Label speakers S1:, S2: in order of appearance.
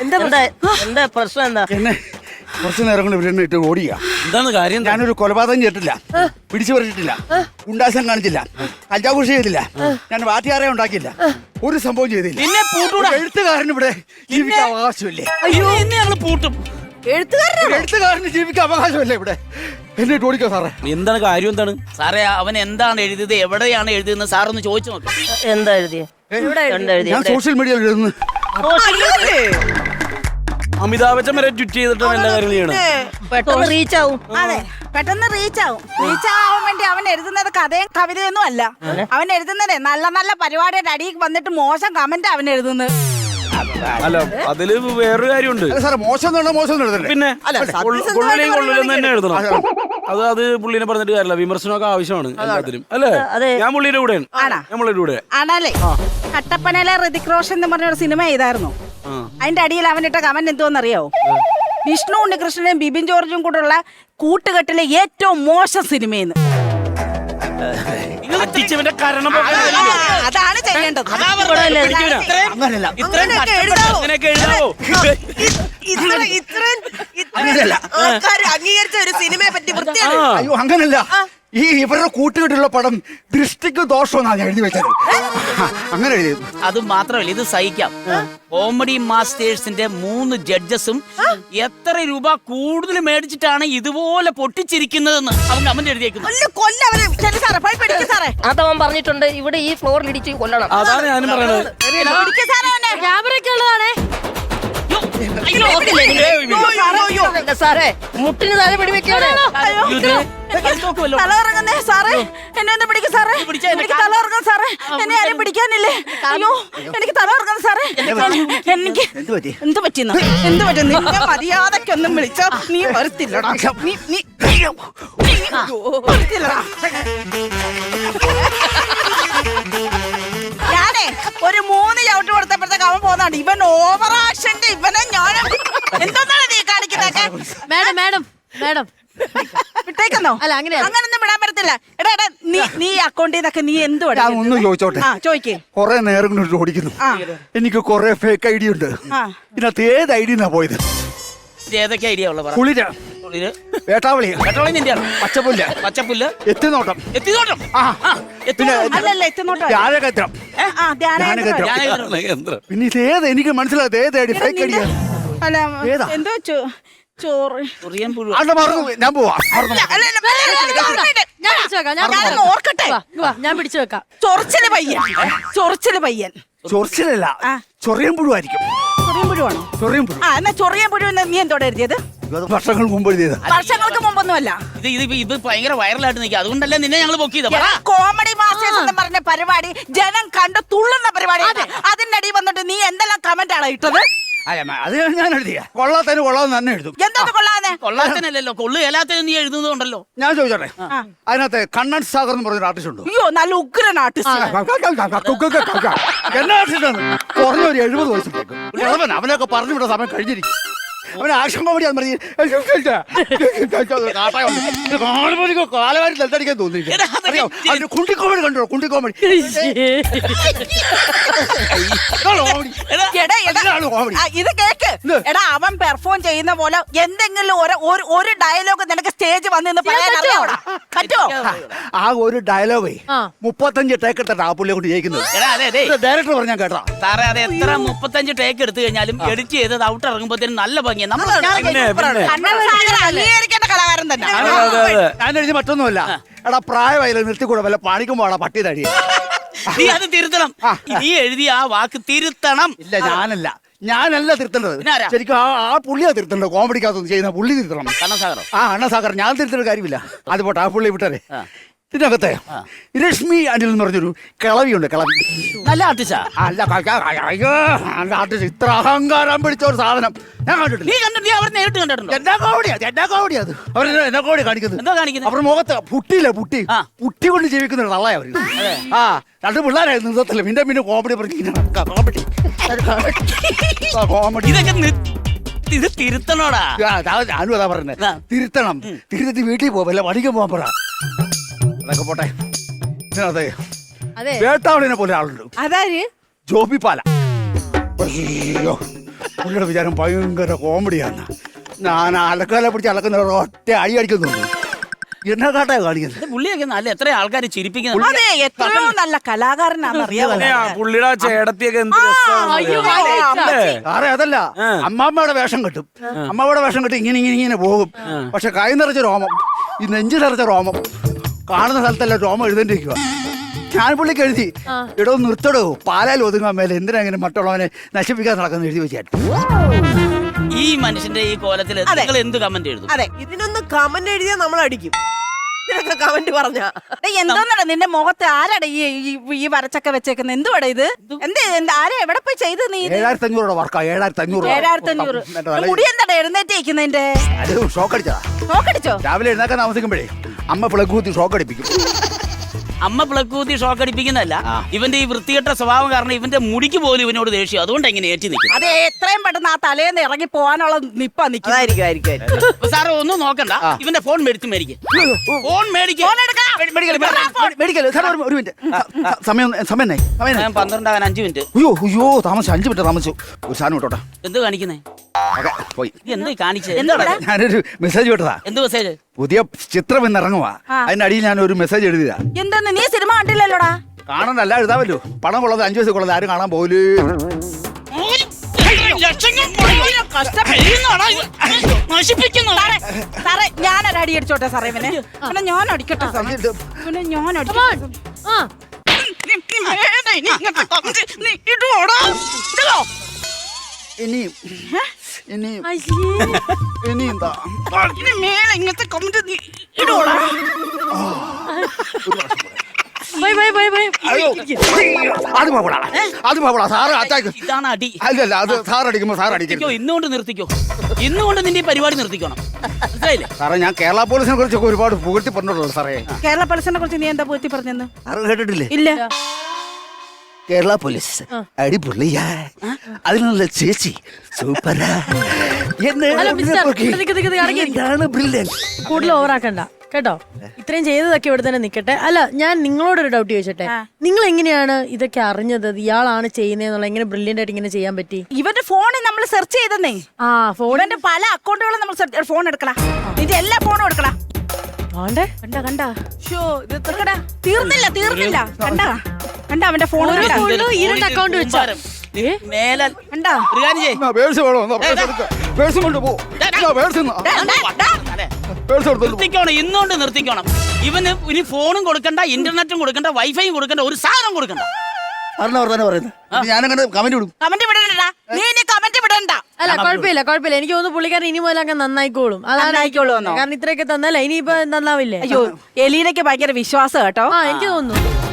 S1: എന്താ പ്രശ്നം എന്താ?
S2: എന്നെ കുറച്ചു നേരം കൊണ്ട് ഇവരെന്നെ ഇട്ട് ഓടിയ.
S3: എന്താണ് കാര്യം?
S2: ഞാനൊരു കൊലപാതകം ചെയ്തിട്ടില്ല, പിടിച്ചു പറിച്ചിട്ടില്ല, ഗുണ്ടാസം കാണിച്ചില്ല, കഞ്ചാവൂഷി ചെയ്തില്ല, ഞാൻ വാറ്റിയാറെ ഉണ്ടാക്കിയില്ല, ഒരു സംഭവം ചെയ്തില്ല.
S3: നിന്നെ പൂട്ടൂടാ.
S2: എഴുത്തുകാരന് ഇവിടെ ജീവിക്കാൻ അവകാശമില്ലേ?
S3: അയ്യോ ഇന്ന് ഞങ്ങള് പൂട്ടും.
S2: എഴുത്തുകാരന് ജീവിക്കാൻ അവകാശമല്ലേ ഇവിടെ? എന്നെ ഇട്ട് ഓടിക്കോ സാറേ.
S3: എന്താണ് കാര്യം? എന്താണ് സാറേ? അവൻ എന്താണ് എഴുതിയത്, എവിടെയാണ് എഴുതിയെന്ന് സാറൊന്ന് ചോദിച്ചു നോക്ക്.
S1: എന്താ എഴുതിയ?
S2: ഞാൻ സോഷ്യൽ മീഡിയയിൽ എഴുതുന്നു.
S3: അമിതാഭ് ബച്ചൻ വരെ ട്വീറ്റ് ചെയ്തിട്ടാണ് എല്ലാ കാര്യങ്ങളും ചെയ്യണം.
S1: പെട്ടെന്ന് റീച്ച് ആവും.
S4: അതെ, പെട്ടെന്ന് റീച്ച് ആവാൻ വേണ്ടി അവൻ എഴുതുന്നത് കഥയും കവിതയൊന്നും അല്ല. അവൻ എഴുതുന്നതേ നല്ല നല്ല പരിപാടിയുടെ അടിയിൽ വന്നിട്ട് മോശം കമന്റ് അവൻ എഴുതുന്നത്.
S3: അല്ല അതില് വേറൊരു കാര്യമുണ്ട്.
S2: സാറേ മോശം എഴുതണ്ടേ?
S3: പിന്നെ കൊള്ളില്ലെന്ന് തന്നെ എഴുതണം. അത് പുള്ളിനെ പറഞ്ഞിട്ട് കാര്യമില്ല. വിമർശനമൊക്കെ ആവശ്യമാണ് എല്ലാത്തിലും, അല്ലേ? ഞാൻ പുള്ളിയുടെ കൂടെയാണ്. ഞാൻ പുള്ളിയുടെ കൂടെ
S4: ആണല്ലേ? കട്ടപ്പനയിലെ ഋതിക് റോഷൻ എന്ന് പറഞ്ഞ ഒരു സിനിമ ചെയ്തായിരുന്നു. അതിന്റെ അടിയിൽ അവനിട്ട കമന്റ് എന്തോന്നറിയാവോ? വിഷ്ണു ഉണ്ണികൃഷ്ണനും ബിബിൻ ജോർജും കൂടെയുള്ള കൂട്ടുകെട്ടിലെ ഏറ്റവും മോശം സിനിമയെന്ന്. അതാണ് ചെയ്യേണ്ടത്.
S1: അംഗീകരിച്ച ഒരു സിനിമയെ പറ്റി വൃത്തിയാണ്.
S2: അയ്യോ അങ്ങനല്ല, ഈ ഇവരുടെ കൂട്ടുകെട്ടുള്ള പടം ദൃഷ്ടിക്ക് ദോഷമെന്നാണ് ഞാൻ എഴുതി വെച്ചത്. അങ്ങനെ എഴുതി.
S5: അത് മാത്രമല്ല, ഇത് സഹിക്കാം. കോമഡി മാസ്റ്റേഴ്സിന്റെ 3 ജഡ്ജസും എത്ര രൂപ കൂടുതൽ മേടിച്ചിട്ടാണ് ഇതുപോലെ പൊട്ടിച്ചിരിക്കുന്നതെന്ന് അവൻ കമന്റ് എഴുതിയേക്കുന്നു.
S1: അതവൻ പറഞ്ഞിട്ടുണ്ട്, ഇവിടെ ഈ ഫ്ലോറിൽ ഇടിച്ച് കൊല്ലണം.
S3: അതാണ് ഞാനും പറയുന്നത്.
S1: സാറേ മുട്ടിന് താഴെ പിടിവെക്കാണ്.
S4: തലകറങ്ങുന്നേ സാറേ, എന്നെ ഒന്ന് പിടിക്കും സാറേ. എനിക്ക് തലകറങ്ങും സാറേ, എന്നെ ആരും പിടിക്കാനില്ലേ? അയ്യോ എനിക്ക് തലകറങ്ങും സാറേ. എനിക്ക് എന്ത് പറ്റിയെന്നോ? എന്ത് പറ്റും? നിന്നെ മര്യാദക്കൊന്നും വിളിച്ചോ നീ വരത്തില്ലടാ. നീ വരത്തില്ലടാ. ഞാനേ ഒരു 3 ചവിട്ട് കൊടുത്തപ്പോഴത്തേക്ക് അവൻ പോന്നാണ്. ഇവൻ ഓവറാക്ഷന്റെ ഇവനെ ഞാൻ എന്താണ് നീ കാണിക്കുന്നതൊക്കെ?
S6: മാഡം
S4: വിട്ടേക്കുന്നോ? അല്ല അങ്ങനൊന്നും വിടാൻ പറ്റത്തില്ല. എടാ നീ അക്കൗണ്ടിൽ നിന്നൊക്കെ നീ എന്ത്
S2: ഒന്ന് ചോദിച്ചോട്ടെ?
S4: ചോദിക്കേ.
S2: കൊറേ നേരം കൊണ്ട് ഓടിക്കുന്നു. എനിക്ക് കൊറേ ഫേക്ക് ഐഡിയ ഉണ്ട്. ഇതിനകത്ത് ഏത് ഐഡിയ പോയത്?
S5: ഏതൊക്കെ ഐഡിയ ഉള്ള
S2: കുളിര, വേട്ടാവളി, പച്ചപ്പുല്ല്, എത്തിനോട്ടം, പിന്നെ ധ്യാനകേന്ദ്രം. പിന്നെ ഇതേത് എനിക്ക് മനസ്സിലായത്? ഏത് ഐഡിയ? ഫേക്ക് ഐഡിയ ഏതാ?
S4: എന്തോ ചോറ്
S2: ഞാൻ പോവാ.
S4: ഓർക്കട്ടെ,
S6: ഞാൻ പിടിച്ചു വെക്കാം.
S4: ചൊറിച്ചില് പയ്യൻ.
S2: ചൊറിച്ചിലല്ല, ചൊറിയൻ പുഴുവായിരിക്കും.
S4: ചൊറിയൻ പുഴുവാണോ?
S2: ചൊറിയൻ പുഴു.
S4: എന്നാ ചൊറിയൻ പുഴു നീ എന്തോടെ എഴുതിയത്?
S2: വർഷങ്ങൾ മുമ്പ് എഴുതിയത്.
S4: വർഷങ്ങൾക്ക് മുമ്പൊന്നുമല്ല.
S5: ഇത് ഭയങ്കര വൈറലായിട്ട് നിൽക്കുക. അതുകൊണ്ടല്ലേ നിന്നെ ഞങ്ങൾ ബുക്ക് ചെയ്തത്.
S4: കോമഡി മാസ്റ്റേഴ്സ് എന്ന് പറഞ്ഞ പരിപാടി ജനം കണ്ട് തുള്ളുന്ന പരിപാടി. അതിന്റെ അടി വന്നിട്ട് നീ എന്തെല്ലാം കമന്റ് ആണ് ഇട്ടത്?
S2: അത് ഞാൻ എഴുതിയ കൊള്ളാത്തതിന് കൊള്ളാന്ന് തന്നെ എഴുതും.
S4: എന്താ കൊള്ളാതെ?
S5: കൊള്ളാത്തനല്ലോ, കൊള്ളുകേലാത്തതിന് നീ എഴുതുന്നുണ്ടല്ലോ.
S2: ഞാൻ ചോദിച്ചോട്ടെ, അതിനകത്ത് കണ്ണൻ സാഗർ എന്ന് പറഞ്ഞൊരു ആർട്ടിസ്റ്റ് ഉണ്ട്.
S4: അയ്യോ നല്ല ഉഗ്രൻ ആർട്ടിസ്റ്റ്.
S2: എന്നാ ആർട്ടിസ്റ്റ് ആണ്? കുറഞ്ഞ ഒരു 70 വയസ്സിലേക്ക് അവനൊക്കെ പറഞ്ഞു വിട സമയം കഴിഞ്ഞിരിക്കും. അവന് ആക്ഷൻ കോമഡി കാലവാരി തലത്തടിക്കാൻ തോന്നിയില്ല. അവന്റെ കുണ്ടി കോമഡി കണ്ടോ? കുണ്ടി കോമഡി.
S4: ഇത് കേക്ക്. എടാ അവൻ പെർഫോം ചെയ്യുന്ന പോലെ എന്തെങ്കിലും ഒരു ഡയലോഗ് നിനക്ക് സ്റ്റേജ് വന്ന് പറയാൻ അറിയാവോ? പറ്റുമോ?
S2: ആ ഒരു ഡയലോഗേ 35 ടേക്ക് എടുത്തിട്ട് ആ പുള്ളിയെ കൊണ്ട് ജയിക്കുന്നത്. ഡയറക്ടർ പറഞ്ഞാൽ കേട്ടോ
S5: സാറേ, അത് എത്ര 35 ടേക്ക് എടുത്തു കഴിഞ്ഞാലും എഡിറ്റ് ചെയ്തത് ഔട്ട് ഇറങ്ങുമ്പോഴത്തേനും നല്ല ഭംഗിയാണ്.
S4: അംഗീകരിക്കേണ്ട കലാകാരൻ തന്നെ.
S2: ഞാൻ എഴുതി മറ്റൊന്നുമല്ല. എടാ പ്രായമായില്ല, നിർത്തിക്കൂടെ വല്ല പണിക്കും പോടാ പട്ടി തടിയെ.
S5: നീ അത് തിരുത്തണം. നീ എഴുതിയ ആ വാക്ക് തിരുത്തണം.
S2: ഇല്ല ഞാനല്ല തിരുത്തേണ്ടത്. ശരിക്കും ആ പുള്ളിയാ തിരുത്തേണ്ടത്. കോമഡിക്കകത്തൊന്നും ചെയ്യുന്ന പുള്ളി തിരുത്തണം.
S5: കണ്ണസാഗറോ?
S2: അണ്ണസാഗർ. ഞാൻ തിരുത്തേണ്ട കാര്യമില്ല. അത് പോട്ടെ, ആ പുള്ളി വിട്ടേ. ഇതിനകത്തെ രശ്മി അനിൽ എന്ന് പറഞ്ഞൊരു കിളവിയുണ്ട്. കിളവി
S5: നല്ല ആർട്ടിസ്റ്റാ.
S2: അല്ല ആർട്ടിസ്റ്റ്. ഇത്ര അഹങ്കാരം പിടിച്ച ഒരു സാധനം ഞാൻ കണ്ടിട്ടില്ല.
S5: നീ അവർ നേരിട്ട് കണ്ടിട്ടുണ്ടോ?
S2: എന്നാ കോമഡി അത്. അവർ എന്നാ കോമഡി കാണിക്കുന്നത്?
S5: എന്താ കാണിക്കുന്നത്?
S2: അവരുടെ മുഖത്ത് പുട്ടി കൊണ്ട് ജീവിക്കുന്ന തള്ളയാ അവര്. 2 പിള്ളേരായിരുന്നു നിർത്തത്തില്ല. പിന്നെ കോമഡി കോമഡി
S5: ഇതൊക്കെ ഇത് തിരുത്തണോടാ.
S2: ഞാനും അതാ പറഞ്ഞത്. തിരുത്തണം. തിരുത്തി വീട്ടിൽ പോവല്ല, പഠിക്കാൻ പോകാൻ പറ. അതൊക്കെ പോട്ടെ. അതെ, വേട്ടാവളിനെ പോലെ ആളുണ്ട്.
S4: അതാര്?
S2: ജോബി പാല. അയ്യോ, പുള്ളിയുടെ വിചാരം ഭയങ്കര കോമഡിയാണ്. ഞാൻ അലക്കാലെ പിടിച്ച് അലക്കുന്ന ഒറ്റ അടി അടിക്കുന്നു. എന്നെ കാട്ടാ കാണിക്കുന്നത്.
S5: പുള്ളിയൊക്കെ നല്ല എത്ര ആൾക്കാരെ ചിരിപ്പിക്കുന്നത്.
S4: അതെ എത്രയോ നല്ല കലാകാരനാണെന്ന് അറിയാമോ.
S3: പുള്ളിയുടെ ആ ചേടത്തിയൊക്കെ എന്ത് രസമാണ്.
S2: സാറേ അതല്ല, അമ്മാമ്മയുടെ വേഷം കെട്ടും. അമ്മാമ്മയുടെ വേഷം കെട്ടി ഇങ്ങനെ പോകും. പക്ഷെ കൈ നിറച്ച രോമം, ഈ നെഞ്ചു നിറച്ച രോമം, കാണുന്ന സ്ഥലത്തല്ല രോമം എഴുതേണ്ടിരിക്കുക. ഞാൻ പുള്ളിക്ക് എഴുതി, ഇടോ നിർത്തടോ, പാലാൽ ഒതുങ്ങാൻ മേലെ എന്തിനാ ഇങ്ങനെ മറ്റുള്ളവനെ നശിപ്പിക്കാൻ നടക്കുന്ന എഴുതി വെച്ചാൽ.
S5: ഈ മനുഷ്യന്റെ ഈ കോലത്തിൽ നിങ്ങൾ എന്ത് കമന്റ് എഴുതും?
S1: അതെ, ഇതിനൊന്ന് കമന്റ് എഴുതിയാൽ നമ്മൾ അടിക്കും. ഇതിനൊക്കെ കമന്റ് പറഞ്ഞാ
S4: എന്തോന്നടാ നിന്റെ മുഖത്ത് ആരാടാ ഈ വരച്ചൊക്കെ വെച്ചേക്കുന്നത്? എന്തുവാടാ ഇത്? ആരാ എവിടെ പോയി ചെയ്ത് നീ?
S2: 7500 വർക്കാ.
S4: 7500 മുടി എന്താടാ എഴുന്നേറ്റിരിക്കുന്നതിന്റെ?
S2: അത് ഷോക്ക് അടിച്ചതാ.
S4: നോക്കടിച്ചോ?
S2: രാവിലെ എഴുന്നേക്കാൻ താമസിക്കുമ്പോഴേ അമ്മ പ്ലഗ് കുത്തി ഷോക്ക് അടിപ്പിക്കും.
S5: അമ്മ പ്ലഗ് കൂത്തി ഷോക്ക് അടിപ്പിക്കുന്നതല്ല, ഇവന്റെ ഈ വൃത്തികെട്ട സ്വഭാവം കാരണം ഇവന്റെ മുടിക്ക് പോലും ഇവനോട് ദേഷ്യം. അതുകൊണ്ട് എങ്ങനെ ഏറ്റി നിൽക്കും.
S4: അതെ, എത്രയും പെട്ടെന്ന് ആ തലേന്ന് ഇറങ്ങി പോകാനുള്ള നിപ്പാ നിൽക്കും.
S5: സാറ് ഒന്നും നോക്കണ്ട, ഇവന്റെ ഫോൺ മേടിക്കും. ഫോൺ മേടിക്കും.
S2: ഒരു മിനിറ്റ് സമയം
S5: 12 ആകാൻ 5 മിനിറ്റ്.
S2: അയ്യോ താമസിച്ചു. 5 മിനിറ്റ് താമസിച്ചു. ഒരു സാധനം വിട്ടോട്ടെ.
S5: എന്ത് കാണിക്കുന്നേ?
S2: പോയി.
S5: എന്ത് കാണിച്ചത്? എന്താ?
S2: ഞാനൊരു മെസ്സേജ് വിട്ടതാ.
S5: എന്ത് മെസ്സേജ്?
S2: പുതിയ ചിത്രം ഇന്ന് ഇറങ്ങുവാ. അതിന്റെ അടിയിൽ ഞാൻ ഒരു മെസ്സേജ് എഴുതിയതാ.
S4: എന്തെന്ന് നീ സിനിമ കണ്ടില്ലല്ലോടാ?
S2: കാണണ്ടല്ല, എഴുതാമല്ലോ. പണം കൊള്ളത് 5 വയസ്സിൽ കൊള്ളത് ആരും കാണാൻ പോലേ.
S4: സാറേ ഞാനൊരു അടി അടിച്ചോട്ടെ സാറേ. ഇവനെ ഞാൻ അടിക്കട്ടെ സാറേ. ഇവനെ ഞാൻ അടിക്കട്ടെ.
S2: ഇനിയും എന്താ
S4: മേലെ ഇങ്ങനത്തെ കമന്റ് ഇടോടാ.
S2: അത് പോകടാ സാറ് അറ്റാക്ക്.
S5: ഇതാണ് അടി.
S2: അല്ലല്ല, അത് സാർ അടിക്കുമ്പോ സാർ അടിക്കോ.
S5: ഇന്നുകൊണ്ട് നിർത്തിക്കോ. ഇന്നുകൊണ്ട് നിന്റെ ഈ പരിപാടി നിർത്തിക്കണം. മനസ്സിലായില്ലേ
S2: സാറേ? ഞാൻ കേരള പോലീസിനെ കുറിച്ചൊക്കെ ഒരുപാട് പുകഴ്ത്തി പറഞ്ഞിട്ടുള്ളൂ സാറേ.
S4: കേരള പോലീസിനെ കുറിച്ച് നീ എന്താ പൂഴ്ത്തി പറഞ്ഞെന്ന്?
S2: സാറ് കേട്ടിട്ടില്ലേ?
S4: ഇല്ല.
S2: കേരള പോലീസ് അടിപൊളിയാ, അതിനുള്ള ചേച്ചി സൂപ്പറാ.
S6: കൂടുതൽ ഓവറാക്കണ്ട കേട്ടോ. ഇത്രയും ചെയ്തതൊക്കെ ഇവിടെ തന്നെ നിക്കട്ടെ. അല്ല, ഞാൻ നിങ്ങളോടൊരു ഡൗട്ട് ചോദിച്ചോട്ടെ. നിങ്ങൾ എങ്ങനെയാണ് ഇതൊക്കെ അറിഞ്ഞത്? ഇയാളാണ് ചെയ്യുന്നതെന്നുള്ള എങ്ങനെ ബ്രില്യന്റ് ആയിട്ട് ഇങ്ങനെ ചെയ്യാൻ പറ്റി?
S4: ഇവന്റെ ഫോണിൽ നമ്മൾ സെർച്ച് ചെയ്തെന്നേ. ഫോണിന്റെ പല അക്കൗണ്ടുകളും നമ്മൾ ഫോൺ എടുക്കലാ. ഇതിന്റെ എല്ലാ ഫോണും എടുക്കലാ. കണ്ട തീർന്നില്ല. കണ്ട അവന്റെ ഫോൺ
S6: 2 അക്കൗണ്ട് വെച്ചാ
S5: മേലാൽ
S4: കണ്ടാ.
S5: നിർത്തിക്കോണം. ഇന്നുകൊണ്ട് നിർത്തിക്കോണം. ഇവന് ഇനി ഫോണും കൊടുക്കണ്ട, ഇന്റർനെറ്റും കൊടുക്കണ്ട, വൈഫൈയും കൊടുക്കണ്ട, ഒരു സാധനം കൊടുക്കണ്ട.
S2: ഞാനങ്ങനെ കമന്റ് വിടും.
S4: കമന്റ് വിടണ്ട. നീ കമന്റ് വിടണ്ട.
S6: അല്ല, കുഴപ്പമില്ല. എനിക്ക് തോന്നുന്നു പുള്ളിക്കാരൻ ഇനി മുതൽ അങ്ങ് നന്നായിക്കോളും. കാരണം ഇത്രയൊക്കെ തന്നല്ല, ഇനിയിപ്പോ നന്നാവില്ലേ?
S4: അയ്യോ, എലീനയ്ക്ക് ഭയങ്കര വിശ്വാസം കേട്ടോ.
S6: എനിക്ക് തോന്നുന്നു.